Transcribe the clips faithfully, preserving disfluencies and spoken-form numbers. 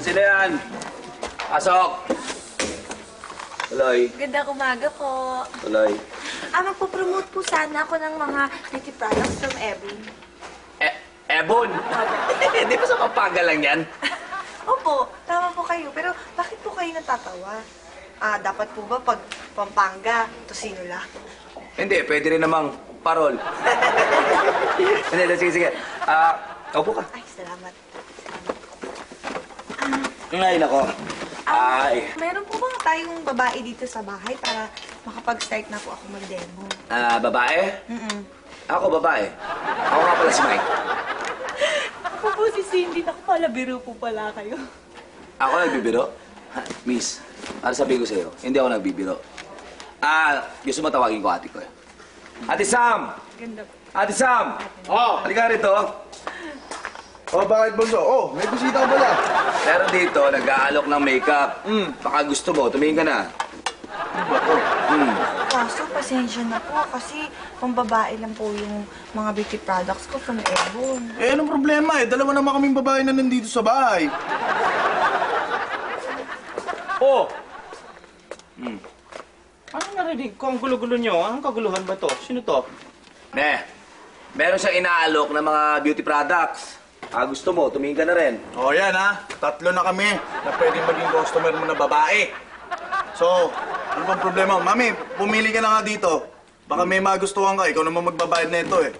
sino yan? Pasok! Tuloy. Gandang umaga po. Tuloy. Ah, magpo-promote po sana ako ng mga beauty products from Evelyn. Eh, Ebon! Di ba sa Pampanga lang yan? Opo, tama po kayo. Pero bakit po kayo natatawa? Ah, dapat po ba pag Pampanga, Tosino lang? Hindi, pwede rin namang parol. Hindi, sige, sige. Ah, upo ka. Ay, salamat. Ay, nako. Ah, Ay. meron po ba tayong babae dito sa bahay para makapag-start na po ako mag-demo? Ah, babae? Mm-mm. Ako, babae. Ako nga pala si Mike. Ako po si Cindy. Naku pala, biro po pala kayo. Ako nagbibiro? Ha, miss, para sabihin ko sa'yo, hindi ako nagbibiro. Ah, gusto mo tawagin ko ate ko eh. Ate Sam! Ganda po. Ate Sam! Oh, Halika rito. oh, bakit bunso? Oh, may bisita ka pala. Pero dito, nag-aalok ng makeup. Hmm, baka gusto mo, tumingin ka na. Hmm. Kaso, pasensya na po kasi pambabae lang po yung mga beauty products ko from Ebon. Eh, anong problema eh? Dalawa naman kaming babae na nandito sa bahay. Oh! Hmm. Anong narinig ko? Ang gulo-gulo nyo. Anong kaguluhan ba to? Sino to? Ne, meron siyang inaalok ng mga beauty products. Ah, gusto mo, tumingin ka na rin. Oh, yan ha. Tatlo na kami na pwedeng maging customer mo na babae. So, ano bang problema? Mami, pumili ka na nga dito. Baka may magustuhan ka. Ikaw naman magbabayad na ito eh.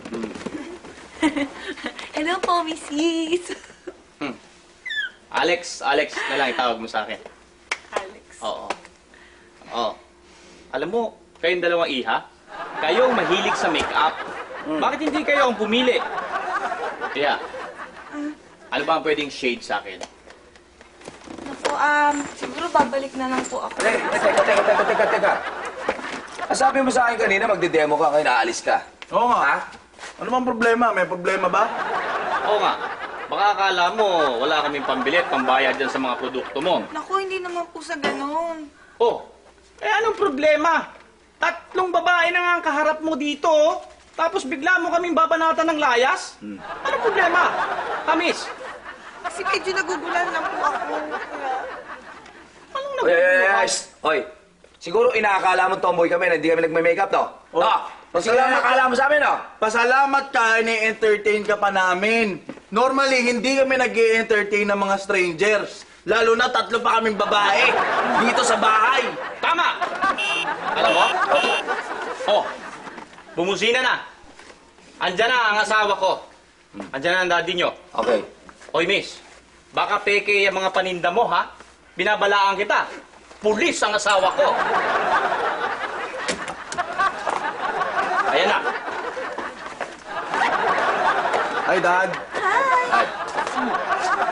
Hello po, Missus Hmm. Alex, Alex na lang itawag mo sa akin. Alex. Oo. Oo. Alam mo, kayong dalawang iha, kayo ang mahilig sa make-up. Bakit hindi kayo ang pumili? Kaya, ano ba ang pwedeng shade sa akin? Naku, um, siguro babalik na lang po ako. Eh, teka, teka, teka, teka, teka. Ah, sabi mo sa akin kanina, magde-demo ka, ngayon aalis ka. Oo nga. Ha? Ano bang problema? May problema ba? Oo nga, baka akala mo wala kaming pambili at pambayad dyan sa mga produkto mo. Naku, hindi naman po sa ganun. Oh, eh anong problema? Tatlong babae na nga ang kaharap mo dito, oh. Tapos bigla mo kaming babanatan ng layas? Hmm. Anong problema? Kamis, Kasi medyo nagugulan lang po ako. Kaya... anong Oy, oy, oy, naguguluhan? oy, shh. Oy, siguro inaakala mo tomboy kami na hindi kami nagme-makeup, no? Oh. No? Siguro ang nakala mo sa amin, no? Pasalamat ka, ini-entertain ka pa namin. Normally, hindi kami nag entertain ng mga strangers. Lalo na tatlo pa kaming babae dito sa bahay. Tama! Alam mo? Oh, bumusina na. Andyan na ang asawa ko. Andyan na ang daddy nyo. Okay. Oy, miss, baka peke yung mga paninda mo, ha? Binabalaan kita. Pulis ang asawa ko. Ayan na. Hi, Dad. Ay,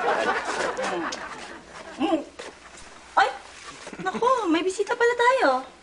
Ay! Naku, may bisita pala tayo.